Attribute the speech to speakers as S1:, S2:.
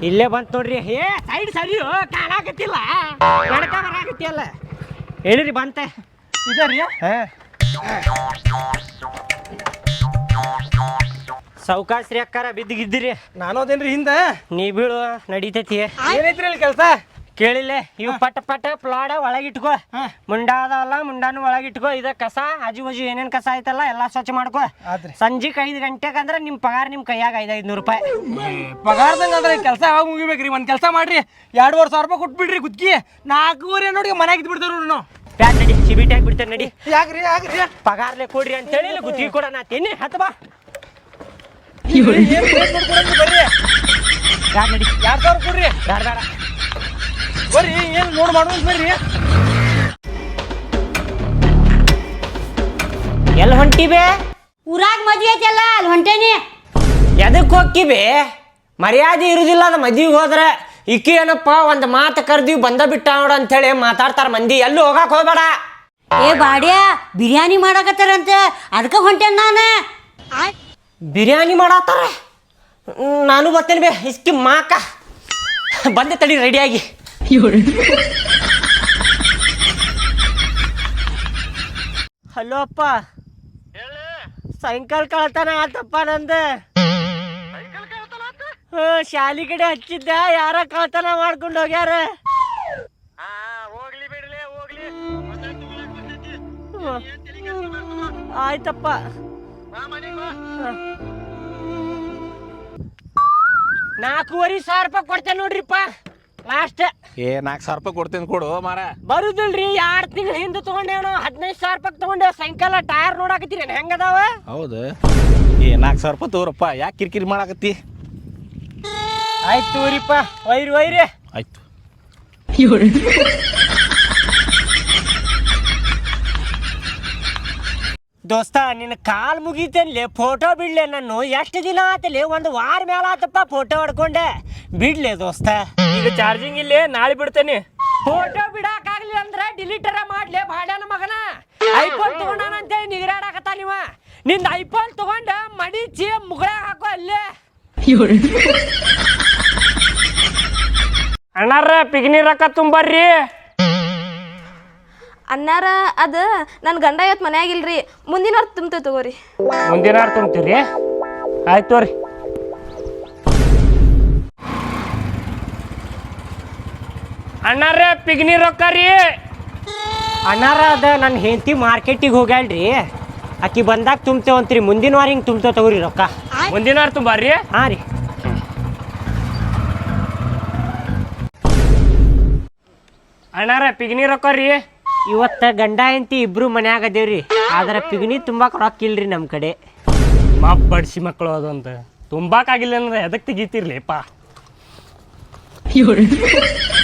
S1: ಇಲ್ಲೇ ಬಂತು ನೋಡ್ರಿ. ಏ ಸೈಡ್ ಸರಿ ಕಾಣಾಕತ್ತಿಲ್ಲ, ನಡ್ಕ ಬರಾಕತ್ತಿಯಲ್ಲ. ಹೇಳಿರಿ ಬಂತೆ
S2: ಇದರಿ.
S1: ಸೌಕಾಶ್ರೀ ಅಕ್ಕಾರ ಬಿದ್ದಿಗಿದ್ದಿರಿ.
S2: ನಾನು ಅದೇನ್ರಿ ಹಿಂದೆ.
S1: ನೀ ಬೀಳು ನಡೀತೈತಿ.
S2: ಏನೈತ್ರಿ ಇಲ್ಲಿ ಕೆಲಸ?
S1: ಕೇಳಿಲ್ಲ ಇವು ಪಟ ಪಟ ಪ್ಲಾಡ ಒಳಗಿಟ್ಕೋ. ಮುಂಡಾದಲ್ಲ ಮುಂಡಾನು ಒಳಗಿಟ್ಕೋ. ಇದ ಕಸ ಆಜು ಬಾಜು ಏನೇನ್ ಕಸ ಐತಲ್ಲ ಎಲ್ಲಾ ಸ್ವಚ್ಛ ಮಾಡ್ಕೋ. ಸಂಜೆಗೆ 5 ಗಂಟೆಗೆ ಅಂದ್ರೆ ನಿಮ್ಮ ಪಗಾರ ನಿಮ್ಮ ಕೈಯಾಗ 500 ರೂಪಾಯಿ
S2: ಪಗಾರದಂಗ ಅಂದ್ರೆ ಕೆಲಸ ಯಾವಾಗ ಮುಗಿಬೇಕ್ರಿ? ಒಂದ್ ಕೆಲಸ ಮಾಡ್ರಿ, 2,500 ರೂಪಾಯಿ ಕೊಟ್ಬಿಡ್ರಿ ಗುತ್ತಿ. 4 ನೋಡಿ ಮನ್ಯಾಗ ಇದ್ ಬಿಡ್ತಾರ ನಾವು.
S1: ಪ್ಯಾಟ್ ನಡಿ, ಸಿಬಿಟಿ ಹಾಕಿ ಬಿಡ್ತೇನೆ ನಡಿ.
S2: ಯಾಕ್ರಿ ಯಾಕ್ರಿ?
S1: ಪಗಾರ್ಲೆ ಕೊಡ್ರಿ ಅಂತ ಹೇಳಿ ಗುತ್ತಿಗೆ ಕೊಡೋಣ ತಿನ್ನಿ. ಹತ್ತು ಬಾ
S2: ಬರ್ರಿ.
S1: ಯಾರು ನಡಿ,
S2: 2,000 ಕೊಡ್ರಿ.
S1: ಬೇಡ ಬೇಡ
S2: ಬರ್ರಿ, ಏನ್ ನೋಡ್ ಮಾಡುವ ಬರ್ರಿ.
S1: ಎಲ್ಲಿ ಹೊಂಟಿಬೇ?
S3: ಊರಾಗ ಮದ್ವೆ ಐತಲ್ಲ ಅಲ್ಲಿ ಹೊಂಟೇನಿ.
S1: ಎದಕ್ಕೆ ಹೋಗ್ಕಿಬೇ? ಮರ್ಯಾದೆ ಇರುದಿಲ್ಲ ಅದು ಮದ್ವಿಗೆ ಹೋದ್ರೆ. ಇಕ್ಕಿ ಏನಪ್ಪ ಒಂದು ಮಾತು ಕರ್ದಿವಿ ಬಂದ ಬಿಟ್ಟ ನೋಡು ಅಂತೇಳಿ ಮಾತಾಡ್ತಾರ ಮಂದಿ. ಎಲ್ಲೂ ಹೋಗಕ್ ಹೋಗ್ಬೇಡ.
S3: ಏ ಬಾಡ್ಯಾ ಬಿರಿಯಾನಿ ಮಾಡಾಕತ್ತಾರಂತೆ, ಅದಕ್ಕೆ ಹೊಂಟೇನ್ ನಾನು.
S1: ಬಿರಿಯಾನಿ ಮಾಡತ್ತಾರ? ನಾನು ಬರ್ತೇನೆ ಬೇ. ಇಸ್ಕಿ ಮಾಕ ಬಂದೆ ತಡಿ ರೆಡಿಯಾಗಿ. ಹಲೋ ಅಪ್ಪ, ಸಾಯಂಕಾಲ ಕಳ್ತಾನ ಆತಪ್ಪ ನಂದು. ಶಾಲಿ ಕಡೆ ಹಚ್ಚಿದ್ದ, ಯಾರ ಕಳ್ತನ ಮಾಡ್ಕೊಂಡು ಹೋಗ್ಯಾರ. ಆಯ್ತಪ್ಪ. 4,500 ರೂಪಾಯಿ ಕೊಡ್ತೇನೆ ನೋಡ್ರಿಪ್ಪ ಲಾಸ್ಟ್.
S4: 4,000 ರೂಪಾಯಿ ಕೊಡ್ತೇನೆ ಕೊಡು ಮಾರ.
S1: ಬರುದಿಲ್ರಿ, 2 ತಿಂಗಳ ಹಿಂದೆ ತಗೊಂಡೇವನು 15,000 ರೂಪಾಯಿ ತಗೊಂಡೇವ್. ಸಾಯಂಕಾಲ ಟೈರ್ ನೋಡಾಕತ್ತೀರಿ ಹೆಂಗದಾವ?
S4: ಹೌದು. 4,000 ರೂಪಾಯಿ ತಗೋರಪ್ಪ, ಯಾಕೆ ಕಿರಿಕಿರಿ ಮಾಡಾಕತ್ತಿ?
S1: ಆಯ್ತು ತಗೋರಿಪ್ಪ, ಒಯ್ರಿ.
S4: ಆಯ್ತು.
S1: ದೋಸ್ತ ನಿನ್ನ ಕಾಲ್ ಮುಗಿತೇನ್ಲೆ, ಫೋಟೋ ಬಿಡ್ಲೆ. ನಾನು ಎಷ್ಟು ದಿನ ಆತಲೆ? 1 ವಾರ ಮೇಲೆ ಆತಪ್ಪ ಫೋಟೋ ಹೊಡ್ಕೊಂಡೆ. ಬಿಡ್ಲೆ ದೋಸ್ತ.
S2: ಈಗ ಚಾರ್ಜಿಂಗ್ ಇಲ್ಲೇ, ನಾಳೆ ಬಿಡ್ತೇನೆ.
S1: ಫೋಟೋ ಬಿಡಾಕಾಗ್ಲಿ ಅಂದ್ರೆ ಡಿಲೀಟರ ಮಾಡ್ಲೆ ಬಾಡ್ಯಾನ ಮಗನ. ಐಫೋನ್ ತಗೊಂಡಾನಂತೇಳಿ ನಿಗರಾಡಕತ್ತ ನೀವ. ನಿಂದ ಐಫೋನ್ ತಗೊಂಡ ಮಡಿಚಿ ಮುಗಳ ಹಾಕೋ ಅಲ್ಲೇ. ಅಣ್ಣಾರ ಪಿಗ್ನಿ ರೊಕ್ಕ ತುಂಬರ್ರಿ.
S5: ಅನ್ನಾರ ಅದು ನನ್ನ ಗಂಡ ಇವತ್ತು ಮನ್ಯಾಗಿಲ್ರಿ, ಮುಂದಿನ ವಾರ ತುಂಬ್ತೇವೆ ತಗೋರಿ.
S1: ಮುಂದಿನ ವಾರ ತುಂಬ್ತೀರಿ? ಆಯ್ತು ತೋರಿ. ಅಣ್ಣಾರ ಪಿಗ್ನಿ ರೊಕ್ಕ ರೀ. ಅಣ್ಣಾರ ಅದ ನನ್ನ ಹೆಂಡತಿ ಮಾರ್ಕೆಟಿಗೆ ಹೋಗ್ಯಾಳ್ರಿ, ಆಕಿ ಬಂದಾಗ ತುಂಬ್ತೇವಂತ್ರಿ. ಮುಂದಿನ ವಾರ ಹಿಂಗೆ ತುಂಬ್ತೇವೆ ತಗೋರಿ ರೊಕ್ಕ.
S2: ಮುಂದಿನ ವಾರ ತುಂಬಾರ್ರಿ.
S1: ಹಾಂ ರೀ. ಅಣ್ಣಾರ ಪಿಗ್ನಿ ರೊಕ್ಕ ರೀ. ಇವತ್ತು ಗಂಡ ಹೆಂಡತಿ ಇಬ್ರು ಮನ್ಯಾಗ ಅದೇವ್ರಿ, ಆದ್ರೆ ಪಿಗ್ನಿ ತುಂಬಾಕ್ ರೊಕ್ಕ ಇಲ್ರಿ ನಮ್ಮ ಕಡೆ.
S2: ಮಾಪ್ ಬಡ್ಸಿ ಮಕ್ಕಳು ಅದು ಅಂತ ತುಂಬಾಕಾಗಿಲ್ಲ ಅಂದ್ರೆ ಎದಕ್ಕೆ ತೆಗಿತಿರ್ಲಿಪ್ಪ.